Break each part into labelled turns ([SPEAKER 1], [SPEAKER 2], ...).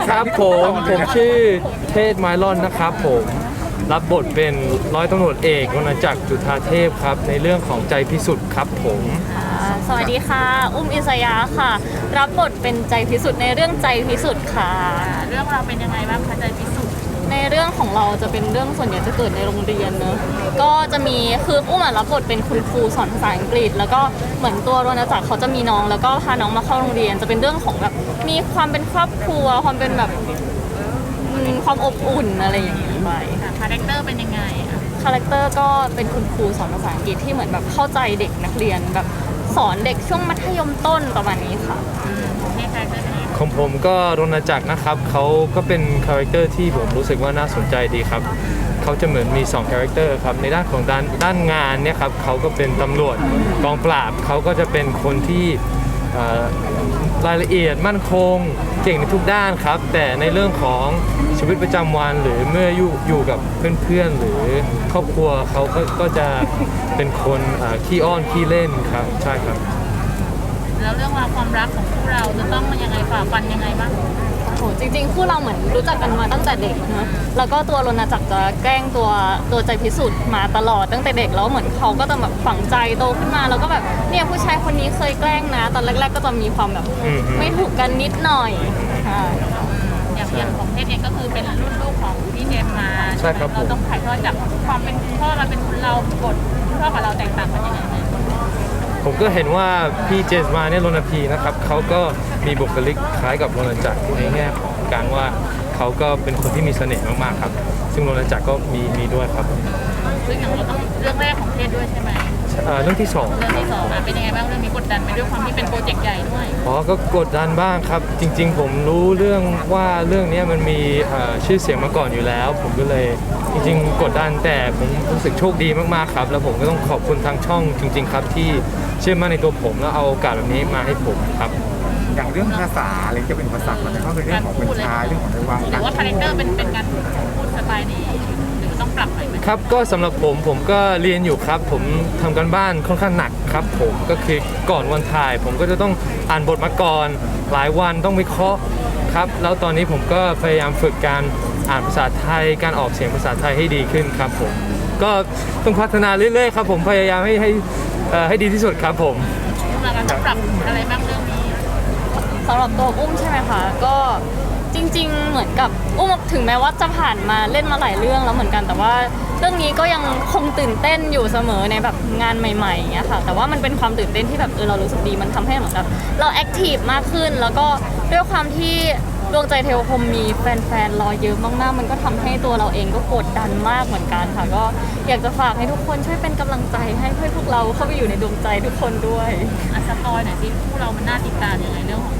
[SPEAKER 1] ครับผมชื่อเทศไมลอนนะครับผมรับบทเป็นร้อยตำรวจเอกวรรณจักรจุฑาเทพครับในเรื่องของใจพิสุทธิ์ครับผม
[SPEAKER 2] สวัสดีค่ะ อุ้มอิสยาค่ะ รับบทเป็นใจพิสุทธิ์ในเรื่องใจพิสุทธิ์ค่ะ
[SPEAKER 3] เรื่องเราเป็นยังไงบ้างคะใจพิสุทธิ์
[SPEAKER 2] ในเรื่องของเราจะเป็นเรื่องส่วนใหญ่จะเกิดในโรงเรียนเนอะก็จะมีคืออุ้มรับบทเป็นคุณครูสอนภาษาอังกฤษ แล้วก็เหมือนตัวรณจักรเขาจะมีน้องแล้วก็พาน้องมาเข้าโรงเรียน จะเป็นเรื่องของแบบมีความเป็นครอบครัวความเป็นแบบความอบอุ่นอะไรอย่างนี้ไป
[SPEAKER 3] คาแรคเตอร์เป็นยังไงอะ
[SPEAKER 2] คาแรคเตอร์ก็เป็นคุณครูสอนภาษาอังกฤษที่เหมือนแบบเข้าใจเด็กนักเรียนแบบสอนเด็กช่วงมัธยมต้นประมาณนี้ค่ะ
[SPEAKER 3] นี่คาแรคเตอร์เป็นยังไง
[SPEAKER 1] ของผมก็รณจักรนะครับเขาก็เป็นคาแรคเตอร์ที่ผมรู้สึกว่าน่าสนใจดีครับเขาจะเหมือนมี2คาแรคเตอร์ครับในด้านของด้านงานเนี่ยครับเขาก็เป็นตำรวจกองปราบเขาก็จะเป็นคนที่รายละเอียดมั่นคงเก่งในทุกด้านครับแต่ในเรื่องของชีวิตประจำวันหรือเมื่ออยู่กับเพื่อนๆหรือครอบครัวเขาก็จะเป็นคนขี้อ้อนขี้เล่นครับใช่ครับ
[SPEAKER 3] แล้วเรื่องราวความรักของคู่เราจะต้องยังไงฝ่าฟันยังไงบ้าง
[SPEAKER 2] โอ้โหจริงๆคู่เราเหมือนรู้จักกันมาตั้งแต่เด็กนะแล้วก็ตัวรณจักรจะแกล้งตัวใจพิสุทธิ์มาตลอดตั้งแต่เด็กแล้วเหมือนเขาก็จะแบบฝังใจโตขึ้นมาแล้วก็แบบเนี่ยผู้ชายคนนี้เคยแกล้งนะ ตอนแรกๆก็จะมีความแบบไม่ถูกกันนิดหน่อยใช่
[SPEAKER 3] อย่างของเทศเองก็คือเป็นรุ่นลูกของพี่เจมมา
[SPEAKER 1] ใช่ครับผม
[SPEAKER 3] เราต้องถ่ายทอดจากความเป็นคุณพ่อเราเป็นคุณเราบทคุณพ่อกับเราแตกต่างกันยังไง
[SPEAKER 1] ผมก็เห็นว่าพี่เจสมาเนี่ยรณพีนะครับเขาก็มีบุคลิกคล้ายกับรณจักรในแง่ของการว่าเขาก็เป็นคนที่มีเสน่ห์มากๆครับซึ่งรณจักรก็มีด้วยครับ
[SPEAKER 3] ซึ่งอย่างเราต้องเรื่องแรกของเทศด้วยใช่ไหม
[SPEAKER 1] เรื่องที่สอง
[SPEAKER 3] เรื่อง
[SPEAKER 1] ครับ
[SPEAKER 3] ที่สองเป็นยังไงบ้างเรื่องนี้กดดันไหมด้วยความที่เป็นโปรเจกต์ใหญ่ด้วย
[SPEAKER 1] อ๋อก็กดดันบ้างครับจริงๆ ผมรู้เรื่องว่าเรื่องนี้มันมีชื่อเสียงมาก่อนอยู่แล้ว ผมก็เลยจริงๆกดดันแต่ผมรู้สึกโชคดีมากๆครับแล้วผมก็ต้องขอบคุณทางช่องจริง ๆ ครับที่เชื่อมั่นในตัวผมแล้วเอาโอกาสแบบนี้มาให้ผมครับ
[SPEAKER 4] อย่างเรื่องภาษาอะไรจะเป็นอุปสรรคมันก็คือเรื่องของคนชายเรื่องของในวัง
[SPEAKER 3] หรือว่าคาแรคเตอร์เป็นการพูดสไตล์นี้หรือต้องปรับอะไรไหม
[SPEAKER 1] ครับก็สำหรับผมก็เรียนอยู่ครับผมทำกันบ้านค่อนข้างหนักครับผมก็คือก่อนวันถ่าย ผมก็จะต้องอ่านบทมาก่อนหลายวันต้องวิเคราะห์ครับแล้วตอนนี้ผมก็พยายามฝึกการอ่านภาษาไทยการออกเสียงภาษาไทยให้ดีขึ้นครับผมก็ต้องพัฒนาเรื่อยๆครับผมพยายามให้ดีที่สุดครับผม
[SPEAKER 3] ต้องปรับอะไรบ้างเรื่องนี้
[SPEAKER 2] สำหรับตัวอุ้มใช่ไหมคะก็จริงๆเหมือนกับอุ้มถึงแม้ว่าจะผ่านมาเล่นมาหลายเรื่องแล้วเหมือนกันแต่ว่าเรื่องนี้ก็ยังคงตื่นเต้นอยู่เสมอในแบบงานใหม่ๆอย่างเงี้ยค่ะแต่ว่ามันเป็นความตื่นเต้นที่แบบเรารู้สึกดีมันทำให้เหมือนกับเราแอคทีฟมากขึ้น แล้วก็ด้วยความที่ดวงใจเทวคมมีแฟนๆรอเยอะมากๆมันก็ทำให้ตัวเราเองก็กดดันมากเหมือนกันค่ะก็อยากจะฝากให้ทุกคนช่วยเป็นกำลังใจให้เพื่อนพวกเราเข้าไปอยู่ในดวงใจทุกคนด้วย
[SPEAKER 3] สปอยหน่อยสิคู่เรามันน่าติดตามยังไงเรื่องของ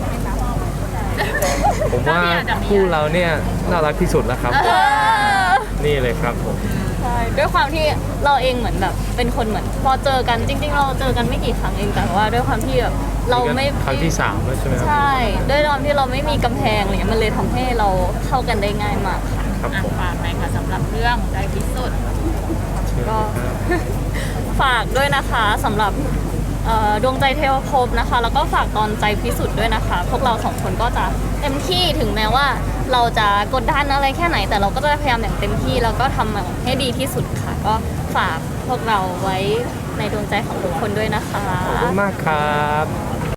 [SPEAKER 1] ผมว่าคู่เราเนี่ยน่ารักที่สุดแล้วครับนี่เลยครับผม
[SPEAKER 2] ใช่ด้วยความที่เราเองเหมือนแบบเป็นคนเหมือนพอเจอกันจริงๆเราเจอกันไม่กี่ครั้งเองแต่ว่าด้วยความที่แบบเราไม่
[SPEAKER 1] ครั้งที่3แล้วใช่ไหมครับ
[SPEAKER 2] ใช่ด้วยความที่เราไม่มีกำแพงอะไรเงี้ยมันเลยทำให้เราเข้ากันได้ง่ายมากค่ะ
[SPEAKER 1] ครับผม
[SPEAKER 3] ฝากไปค่ะสำหรับเรื่องใจพิสุทธิ์
[SPEAKER 2] ก็ ฝากด้วยนะคะสำหรับดวงใจเทวภพนะคะแล้วก็ฝากตอนใจพิสุทธิ์ด้วยนะคะ พวกเราสองคนก็จะเต็มที่ถึงแม้ว่าเราจะกดดันอะไรแค่ไหน แต่เราก็จะพยายามอย่างเต็มที่แล้วก็ทำให้ดีที่สุดค่ะ ก็ฝากพวกเราไว้ในดวงใจของทุกคนด้วยนะคะ
[SPEAKER 1] ขอบคุณมากครับ